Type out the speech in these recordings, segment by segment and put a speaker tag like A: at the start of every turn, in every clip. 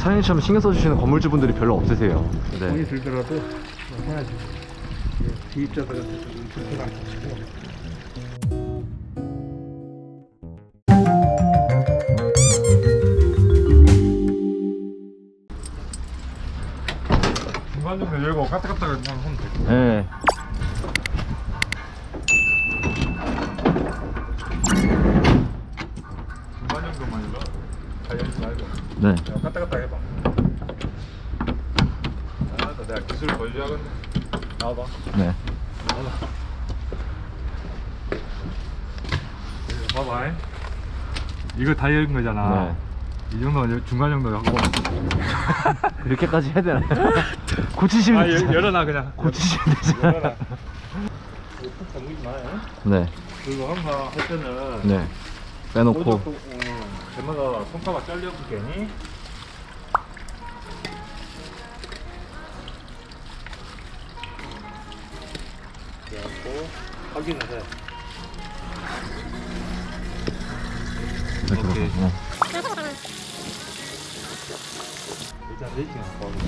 A: 사장님처럼 신경 써주시는 건물주분들이 별로 없으세요.
B: 돈이
A: 네.
B: 들더라도 해야지. 기입자들한테 좀 불편한 것이고. 중간 정도 열고 까딱까딱 하면 돼.
A: 네.
B: 중간 정도만 일러. 다 열지 말고.
A: 네.
B: 까딱까딱 해봐. 아, 내가 기술 보여줘야겠네. 나와봐.
A: 네.
B: 봐봐. 이거 다 열은 거잖아.
A: 네.
B: 이 정도는 중간 정도 하고.
A: 이렇게까지 해야 되나요? 고치시면 되잖아요.
B: 열어놔 그냥.
A: 고치시면 되잖아요.
B: 열어놔. 푹 잠그지 마.
A: 네.
B: 그리고 항상 할 때는
A: 네. 빼놓고.
B: 제마다 손가락 잘려고 괜히. 그래갖고 확인을 해.
A: 이렇게
B: 오케이.
A: 들어가고.
B: 일단 레이팅 갖고 하고.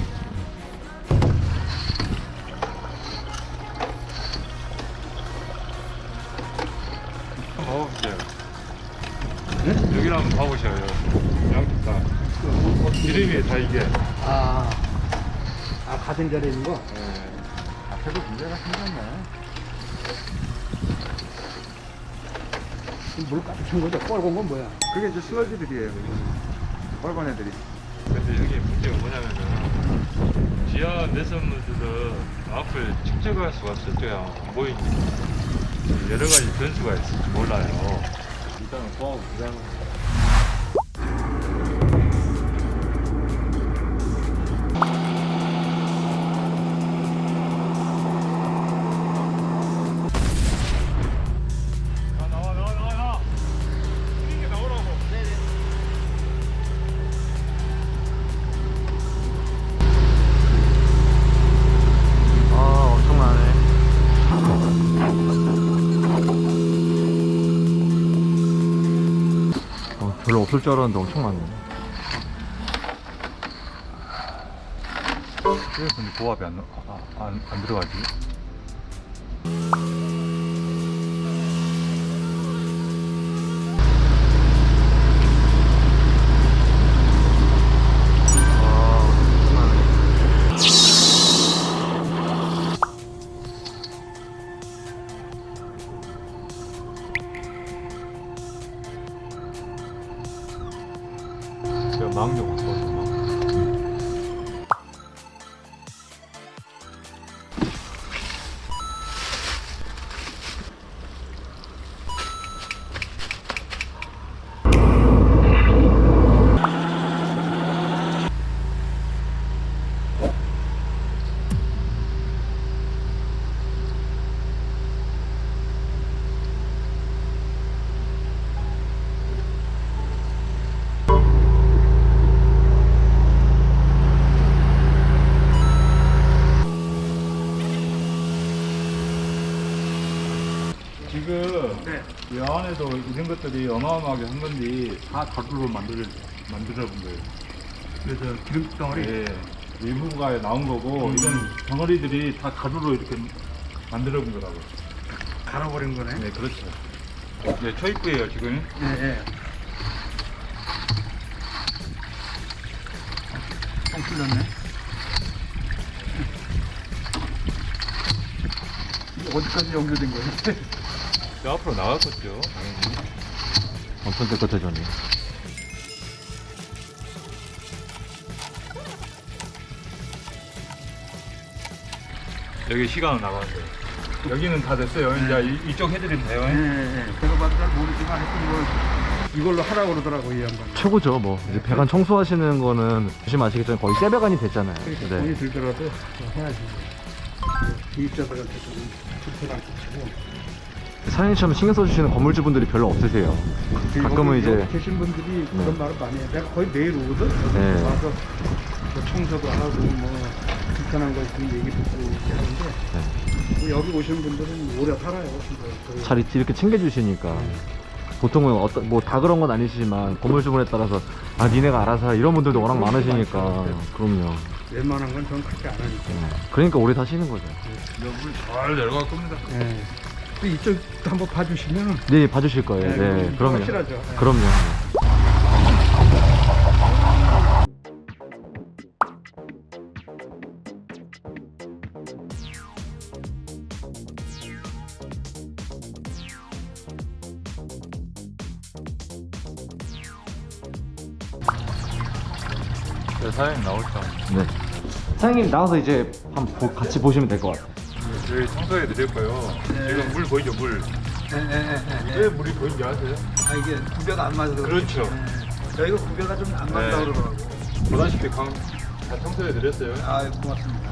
B: 한번 봐보세요. 네? 여기를 한번 봐보셔요. 양쪽 다. 기름이 다 이게.
C: 아, 가생자리에 있는 거?
B: 예. 앞에도 문제가 생겼네.
C: 물 까득한 거죠? 뻘건 건 뭐야?
B: 그게 이제 슬러지들이에요. 빨간 애들이. 근데 여기 문제가 뭐냐면은 지하 내선물들은 앞을 측정할 수가 없어요. 저기 안 보이니까. 여러 가지 변수가 있을지 몰라요. 일단은 보고 그냥. 나와. 이게 나오라고.
A: 아, 엄청나네. 별로 없을 줄 알았는데 엄청 많네.
B: 왜 근데 고압이 안 들어가지? 제가 망령 왔거든요. 지금 이 안에도 이런 것들이 어마어마하게 한 건데 다 가루로 만들어 본 거예요.
C: 그래서 기름 덩어리?
B: 예, 일부가 나온 거고 이런 덩어리들이 다 가루로 이렇게 만들어 본 거라고.
C: 갈아버린 거네?
B: 네, 그렇죠. 네, 초입구예요 지금.
C: 예. 뻥 뚫렸네. 이게 어디까지 연결된 거예요?
B: 저 앞으로 나갔었죠. 당연히.
A: 엄청 깨끗해졌네.
B: 여기 시간은 나가는데 여기는 다 됐어요. 이제 이쪽 해드리면 돼요.
C: 예. 제가 봐도 잘 모르지만 하여튼 이걸로 하라고 그러더라고, 이 양반.
A: 최고죠. 뭐 이제 배관 청소하시는 거는 보시면 거의 새 배관이 됐잖아요.
C: 그러니까
A: 네.
C: 돈이 들더라도 해야지. 기입자들한테 좀 불편한 것이고.
A: 사장님처럼 신경 써주시는 건물주분들이 별로 없으세요. 가끔은
C: 여기
A: 이제
C: 계신 분들이
A: 네.
C: 그런 말을 많이 해. 내가 거의 매일 오거든.
A: 네.
C: 와서 뭐 청소도 하고 뭐 불편한 거 있으면 얘기 듣고 이렇게 하는데 뭐 여기 오신 분들은 오래 살아요. 진짜.
A: 잘 이렇게 챙겨주시니까 보통은 뭐 다 그런 건 아니시지만 건물주분에 따라서 아 니네가 알아서 해. 이런 분들도 워낙 많으시니까.
C: 많죠.
A: 그럼요.
C: 웬만한 건 전 그렇게 안 하니까.
A: 그러니까 오래 사시는 거죠.
B: 물잘 내려갈 겁니다.
C: 네. 또 이쪽도 한번 봐주시면
A: 네, 봐주실 거예요.
C: 네,
A: 네, 그럼요.
C: 확실하죠. 네.
A: 그럼요.
B: 네, 사장님 나올까?
A: 네. 사장님 나와서 이제 한번 같이 보시면 될 것 같아요.
B: 저희 청소해 드릴 거예요. 지금 물 보이죠, 물? 왜 물이 보이는지 아세요?
C: 아 이게 구별가 안 맞아서
B: 그렇죠.
C: 여기가 구별가 좀 안 맞다
B: 네.
C: 그러더라고.
B: 보다시피 다 청소해 드렸어요.
C: 아 고맙습니다.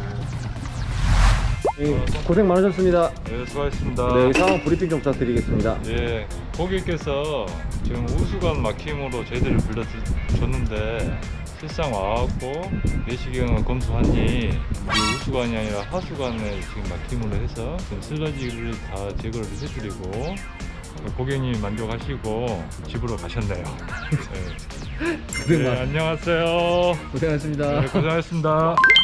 A: 고생 많으셨습니다.
B: 네, 수고하셨습니다.
A: 네, 상황 브리핑 좀 부탁드리겠습니다.
B: 예, 고객께서 지금 우수관 막힘으로 저희들을 불러줬는데 실상 와갖고 내시경을 검수하니 이 우수관이 아니라 하수관에 지금 막힘으로 해서 지금 슬러지를 다 제거를 해드리고 고객님이 만족하시고 집으로 가셨네요. 네.
A: 고생 많-
B: 안녕하세요.
A: 고생하셨습니다.
B: 네, 고생하셨습니다.